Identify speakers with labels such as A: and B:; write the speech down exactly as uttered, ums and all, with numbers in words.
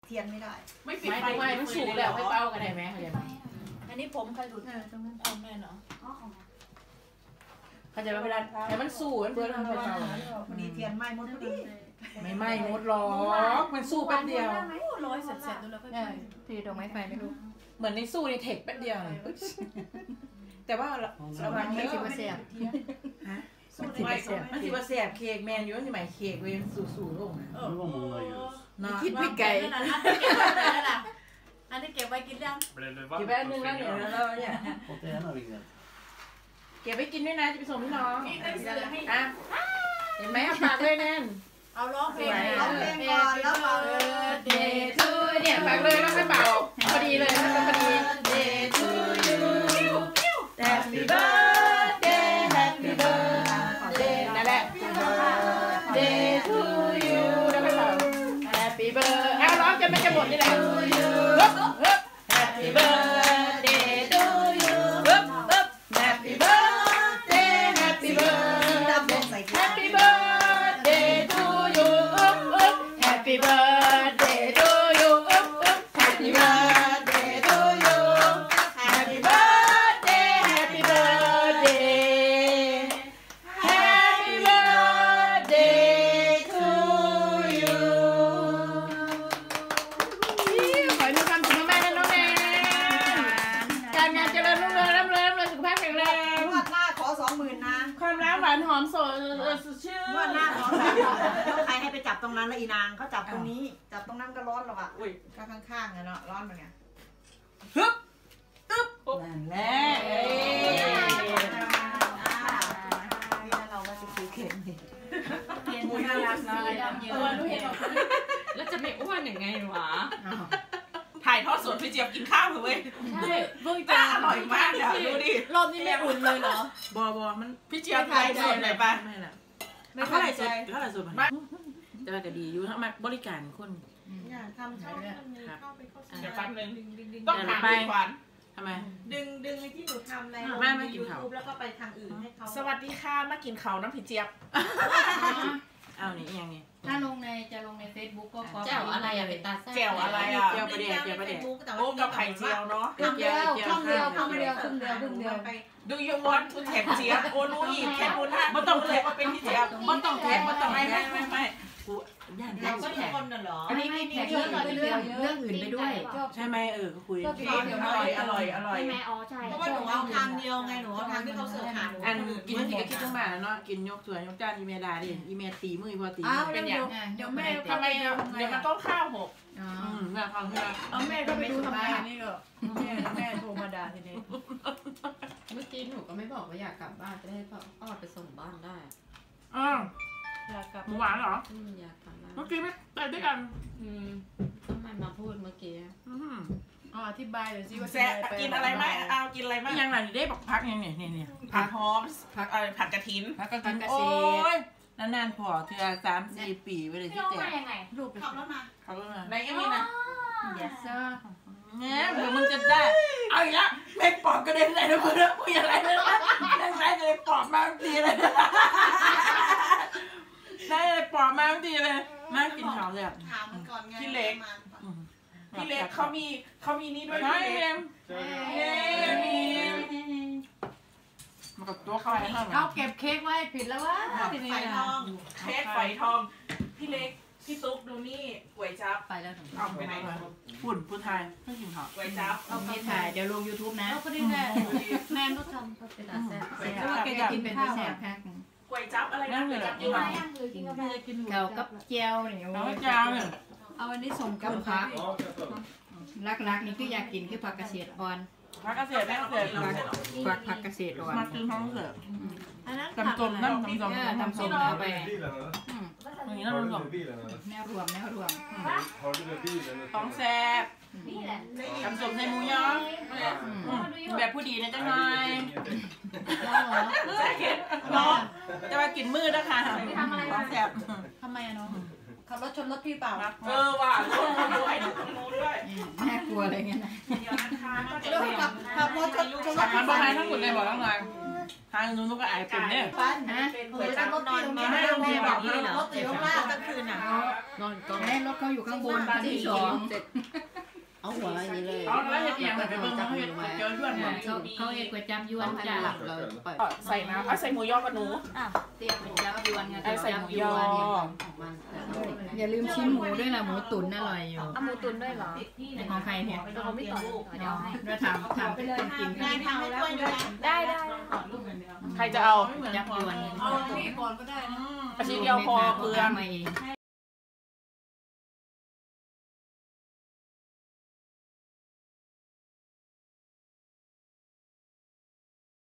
A: เทียนไม่ได้
B: ไม่ปิดไฟไม่มันสูงแล้วไม่เป้ากันได้ไหมเข้าใจไหม
A: อันนี้ผมใครดูดตรงนั้น
B: เอาแม่เนาะ
A: อ๋อของ
B: เข้าใจไหมเวลาแต่มันสูงมันเบิร์นทำไมเป้า
A: พอดีเทียนไหม้หมดพอดี
B: ไม่ไหม้หมดหรอกมันสู้แป๊บเดียว
A: ร้อยเสร็จเสร็จดูแล้วก็
C: ทีดอกไม้ไฟไม่รู้
B: เหมือนในสู้ในเทคแป๊บเดียวแต่ว่าระวังเยอะ
C: สิบเสียบ
B: ฮะมันสิบเสียบมันสิบเสียบเค้กแมนอยู่มันสิหมายเค้กเว้ยสู่ๆลงนะ
D: เออว่ามึงอะไรอยู่
B: นะคิดพี่ไก่
A: อันนี้เก็บไว้กินยัง
B: เก็บไว้นึงแล้วเนี่ยแล้วเนี่ยเก็บไว้กินด้วยนะจะไปส่งพี่น้องอ่ะเห็นไหมเอาปากเลยแน่น
A: เอาร้องเพลงร้องเพลงก่อนแล้วเป่า
C: Day to
B: เนี่ยปากเลยแล้วไม่เป่าพอดีเลยมันพอดี Day to you Happy birthday Happy birthday นั่นแหละ Day to you แล้วไม่เป่า Happy birthday เอาร้องจนมันจะหมดนี่แหละ Happy birthday to you Happy birthday Happy birthday Happy birthday to you Happy birthday to you Happy birthday to you Happy birthday Happy birthday Happy birthday to you ขอให้มีความสุขมากๆนะน้องแนนการงานเจริญรุ่งเรืองร่ำรวยร่ำรวยสุขภาพแข็งแรง
A: งวดหน้าขอสองหมื่นนะ
B: ความรักหวานหอมสดชื่น
A: งวดหน้าขอสองหมื่นแล้วใครให้ไปจับตรงนั้นแล้วอีนางเขาจับตรงนี้จับตรงนั้นก็ร้อนหรอกอ่ะอุ้ยก็ข้างๆเนาะร้อนเหมือนกัน
B: ฮึบตึ๊บนั่นแหละ
A: นี่เราว่าจะคือเข็มนี่
B: เข็มน่ารักนะเออรู้เห็น
C: แล้วจะไม่อ้วนยังไงวะ
B: ถ่ายทอดสดพี่เจี๊ยบกินข้าวเลยเว้ย
C: ใช่
B: เบื้องต้นอร่อยมากอ่ะดูดิ
C: รอบนี้ไม่อุ่นเลยเหรอ
B: บัวบัวมันพี่เจี๊ยบถ่ายสดเลยป่ะไม่ละไม่เท่าไหร่สดเท่าไหร่สดมันจะก็ดีอยู่ทั้งมาบริการคน
A: อย่าทำช่องมันมีเข้าไปเข้า
B: เดี๋ยวแป๊บนึงต้องถามพี่ขวัญทำไม
A: ดึงดึงไอ้ที่หนูทำในยูทูบแล้วก็ไปทางอื่นให้เขา
B: สวัสดีค่ะมากินเขาน้ำพี่เจี๊ยบเอานี่ยังนี่
C: ถ้าลงในจะลงในเฟซบุ๊กก็ขอแจ่วอะไรอะเป็นตาแซ่บ
B: แจ่วอะไรอะแจ่วประเดี๋ยวแจ่วประเดี๋ยวโอ้กับไข่เจียวเนาะ
C: ครึ่งเดียวครึ่งเดียวครึ่งเดียวครึ่งเดียวครึ่งเดียวไป
B: Do you want to แท็กเจี๊ยบโอ้รู้อีกแค่รู้นะไม่ต้องแท็กว่าเป็นพี่เจี๊ยบไม่ต้องแท็กไม่ต้องไม่ไม่ไม่ไม่กูย่าน
A: แท็กก็ทุกคนน่ะเหรอ
C: อันนี้ไม่แท็กเรื่องเรื่องเรื่องอื่นไปด้วย
B: ใช่ไหมเออก็คุยอ
A: ร่อย
B: อร่อยอร่อย
C: ใช่ไหมอ๋อใช่
A: เพราะว่าหนูเอาทางเดียวไงหนูเอาทางที่เขาเสิร์ฟหาหนู
B: อันกินกินก็คิดขึ้นมาเนาะกินยกส่วนยกจานอีเมดาดิอีเมตีมือพอตี
A: เป็นอย่างเดี๋ยวแม่
B: ทำไมเดี๋ยวมันต้องข้าวหกอ๋อแม่ฟังเพื่อ
A: เอาแม่ก็ไปดูทำไมนี่ก็แม่แม่โทรมาด่าทีนี้
C: เมื่อกี้หนูก็ไม่บอกว่าอยากกลับบ้านจะได้ออดไปส่งบ้านได้
B: อ้าว
A: อยากกลับ
B: หมูหวานเหรอ
C: อืมอยากกลับบ้าน
B: เมื่อกี้ไม่ไปด้วยกัน
C: อืมทำไมมาพูดเมื่อกี้
B: อืม
A: อ๋ออธิบายหน่อยสิว่า
B: แซ่กินอะไรไหมเอากินอะไรไหมยังไงได้บอกพักยังเนี่ยเนี่ยเนี่ยผักหอมผักอะไรผักกระถิน
C: ผักกระถิน
B: โอ้ยนานๆพอเธอสามสี่ปีไปเลยที่แจก
A: ลูกขับรถมา
B: ขับรถมาในเอ็มนี่นะเนี่ยเดี๋ยวมึงจะได้เอาอีกแล้วแม่ปอบกระเด็นเลยนะมึงนะมึงอะไรเลยนะได้ไหมเลยปอบมาทีเลยได้เลยปอบมาทีเลยมากินข้าวเลย
A: ถามมันก่อนไง
B: พี่เล็กพี่เล็กเขามีเขามีนี่ด้วยพี่เล็กมีมากับตัวเขาให้
C: เขาเก็บเค้กไว้ผิดแล้ววะ
A: ไฟทอง
B: เค้กไฟทองพี่เล็กพี่ตุ๊กดูนี่ก๋วยจั๊บ
C: ไปแล้วหนู
B: เอาไปไหนฝุ่นผู้ไทยไม่กินข้าวก๋วยจั๊บ
C: เอาไปถ่ายเดี๋ยวลง ยูทูบ นะ
A: ก็ได้แม่แม่ก็ทำก็เป็นอาแซ่บ
C: เพราะว่าแกจะกินเป็นแซ่บแพ็ค
B: ก๋วยจั๊บอะไรนั่นเลย
C: กินอะไรกินกาแฟกินเกี่ยวกับเจียวเนี่ย
B: เอาเจียวเนี่ย
C: เอาอันนี้ส่งกับผักลักๆนี่คืออยากกินคือผักเกษตรอ่อน
B: ผักเกษตรแม่เกษตร
C: ผักผักเกษตรอ่อน
B: มากินท้องเสือ
A: อันนั้น
B: ตำส้มนั่นตำส้ม
C: ตำส้มเอาไป
B: อย่างนี้นั่นตำส้ม
C: แนวรวมแนวรวม
B: ท้องแซ่บตำส้มใส่หมูยอแบบผู้ดีนะจ๊ะนายแซ่บเก็ดน้องจะมากินมืดนะคะท้องแซ่บ
A: ทำไมอะน้องขับรถชนรถพี่เปล่า
B: เออว่ะรถด้วยรถด้วย
C: แม่กลัวอะไรเงี้ยนะ
A: ขับขับรถชนชนรถ
B: ขับมาบ้านทั้งหมดเลยบอกแล้วไงททางนู้นก็อายเป็นเนี่ย
A: ปั้นเป็นก๋วยจั๊บนอนไม่ได้แม่บอกเลยเหรอรถอยู่ข้างล่างกลางคืนอ่ะ
C: นอนก่อนให้รถเขาอยู่ข้างบนชั้นที่สอง
D: เอาหัวอย่างนี้เลย
B: เอาแล้วเห็ดเอียงไปเบิ่งเขาเห็ดเจอย้วน
C: เขาเขาเอ็ดก๋วยจับยวนจ้ะ
D: หลับเราปล่อย
B: ใส่น้ำเอาใส่หมูยอกับหนู
C: เตี้ยก๋วยจับยวนไง
B: เอาใส่หมูยอ
D: มัน
C: อย่าลืมชิ้นหมูด้วยล่ะหมูตุ๋นอร่อยอยู่
E: เอาหมูตุ๋นด้วยเหรอ
C: ในของใครเนี่ย
E: เดี๋ยวเขาไม่ต่อยเดี๋ยวให้
C: เราทำทำเป็นคนกิน
A: งานทำให้ด้วยด้วย
E: ได้ได้
B: ใครจะเอา
C: จับยวน
B: อาชิ้นเดียวพอเปลือง
C: มาเอง